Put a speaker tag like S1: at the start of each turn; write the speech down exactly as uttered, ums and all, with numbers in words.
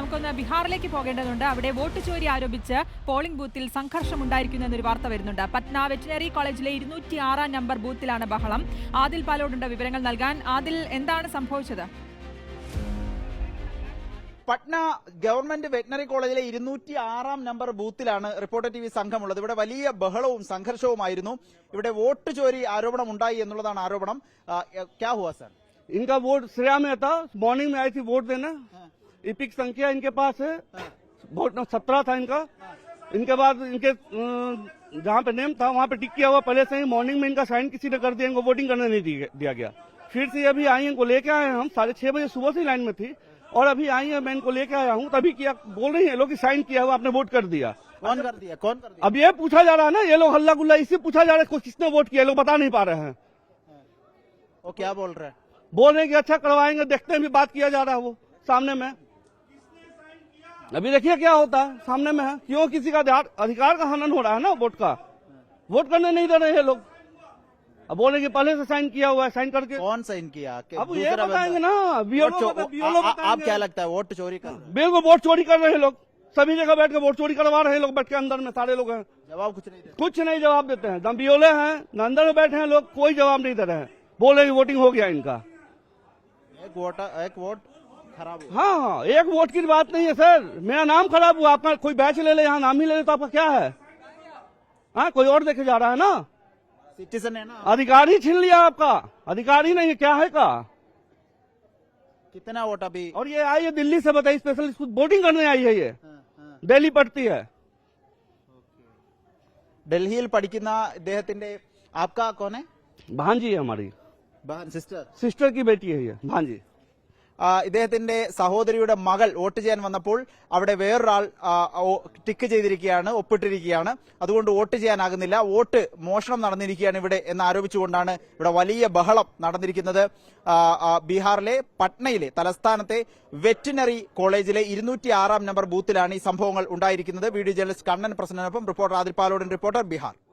S1: നമുക്കൊന്ന് ബീഹാറിലേക്ക് പോകേണ്ടതുണ്ട്. അവിടെ വോട്ട് ചോരി ആരോപിച്ച് പോളിംഗ് ബൂത്തിൽ സംഘർഷമുണ്ടായിരിക്കുന്നു എന്നൊരു വാർത്ത വരുന്നുണ്ട്. പറ്റ്ന വെറ്റിനറി കോളേജിലെ ഇരുന്നൂറ്റി ആറാം നമ്പർ ബൂത്തിലാണ് ബഹളം. ആദിൽ പാലോടുണ്ട് വിവരങ്ങൾ നൽകാൻ. ആദിൽ, എന്താണ് സംഭവിച്ചത്?
S2: പട്ന ഗവൺമെന്റ് വെറ്റിനറി കോളേജിലെ ഇരുന്നൂറ്റി ആറാം നമ്പർ ബൂത്തിലാണ് റിപ്പോർട്ടർ ടി വി സംഘമുള്ളത്. ഇവിടെ വലിയ ബഹളവും സംഘർഷവുമായിരുന്നു. ഇവിടെ വോട്ട് ചോരി ആരോപണം ഉണ്ടായി എന്നുള്ളതാണ് ആരോപണം. ക്യാ ഹുവാ സർ?
S3: इनका वोट श्रेया में था, मॉर्निंग में आई थी वोट देना। इपिक संख्या इनके पास है, वोट सत्रह था इनका। इनके बाद इनके जहाँ पे नेम था वहाँ पे टिक किया हुआ पहले से ही। मॉर्निंग में इनका साइन किसी ने कर दिया, इनको वोटिंग करने नहीं दिया गया। फिर से अभी आई इनको लेके आए हम, साढ़े छह बजे सुबह से लाइन में थी और अभी आई है, मैं इनको लेके आया हूँ। तभी किया बोल रही है लोग साइन किया हुआ, आपने वोट कर दिया।
S2: कौन कर दिया? कौन कर दिया?
S3: अब ये पूछा जा रहा है ना, ये लोग हल्ला गुल्ला इससे पूछा जा रहा है किसने वोट किया, लोग बता नहीं पा रहे हैं।
S2: वो क्या बोल रहे हैं?
S3: बोल रहे हैं कि अच्छा करवाएंगे, देखते हैं, भी बात किया जा रहा है वो सामने में। अभी देखिए क्या होता है, सामने में है। क्यों किसी का अधिकार का हनन हो रहा है ना, वोट का, वोट करने नहीं दे रहे हैं लोग। अब बोले कि पहले से साइन किया हुआ है, साइन करके।
S2: कौन साइन किया?
S3: अब ये बताएंगे ना, बीएलओ बीएलओ
S2: आप क्या लगता है वोट चोरी कर?
S3: बिल्कुल वोट चोरी कर रहे हैं लोग, सभी जगह बैठ के वोट चोरी करवा रहे हैं लोग, बैठ के अंदर में सारे लोग हैं।
S2: जवाब कुछ नहीं देते?
S3: कुछ नहीं जवाब देते हैं। दम बीएलओ हैं न अंदर में बैठे हैं लोग, कोई जवाब नहीं दे रहे हैं। बोल रहे वोटिंग हो गया इनका।
S2: एक वोट एक वोट खराब हुआ।
S3: हाँ हाँ, एक वोट की बात नहीं है सर, मेरा नाम खराब हुआ। आपका कोई बैच ले ले, यहाँ नाम ही ले ले तो आपका क्या है? हाँ, कोई और देखे जा रहा है ना,
S2: सिटीजन है ना।
S3: अधिकार ही छीन लिया आपका, अधिकार ही नहीं है, क्या है का?
S2: कितना वोट अभी?
S3: और ये आई है दिल्ली से, बताइए, स्पेशल वोटिंग करने आई है। ये दिल्ली पढ़ती है।
S2: ഡൽഹിയിൽ പഠിക്കുന്ന ഇദ്ദേഹത്തിന്റെ आपका कौन है?
S3: भांजी है हमारी,
S2: बहन सिस्टर
S3: सिस्टर की बेटी है ये भांजी।
S2: ഇദ്ദേഹത്തിന്റെ സഹോദരിയുടെ മകൾ വോട്ട് ചെയ്യാൻ വന്നപ്പോൾ അവിടെ വേറൊരാൾ ടിക്ക് ചെയ്തിരിക്കുകയാണ്, ഒപ്പിട്ടിരിക്കുകയാണ്. അതുകൊണ്ട് വോട്ട് ചെയ്യാനാകുന്നില്ല, വോട്ട് മോഷണം നടന്നിരിക്കുകയാണ് ഇവിടെ എന്ന് ആരോപിച്ചുകൊണ്ടാണ് ഇവിടെ വലിയ ബഹളം നടന്നിരിക്കുന്നത്. ബീഹാറിലെ പട്നയിലെ തലസ്ഥാനത്തെ വെറ്റിനറി കോളേജിലെ ഇരുന്നൂറ്റി ആറാം നമ്പർ ബൂത്തിലാണ് ഈ സംഭവങ്ങൾ ഉണ്ടായിരിക്കുന്നത്. വീഡിയോ ജേർണലിസ്റ്റ് കണ്ണൻ പ്രസന്നനൊപ്പം റിപ്പോർട്ടർ ആദിൽ പാലോടൻ, റിപ്പോർട്ടർ ബീഹാർ.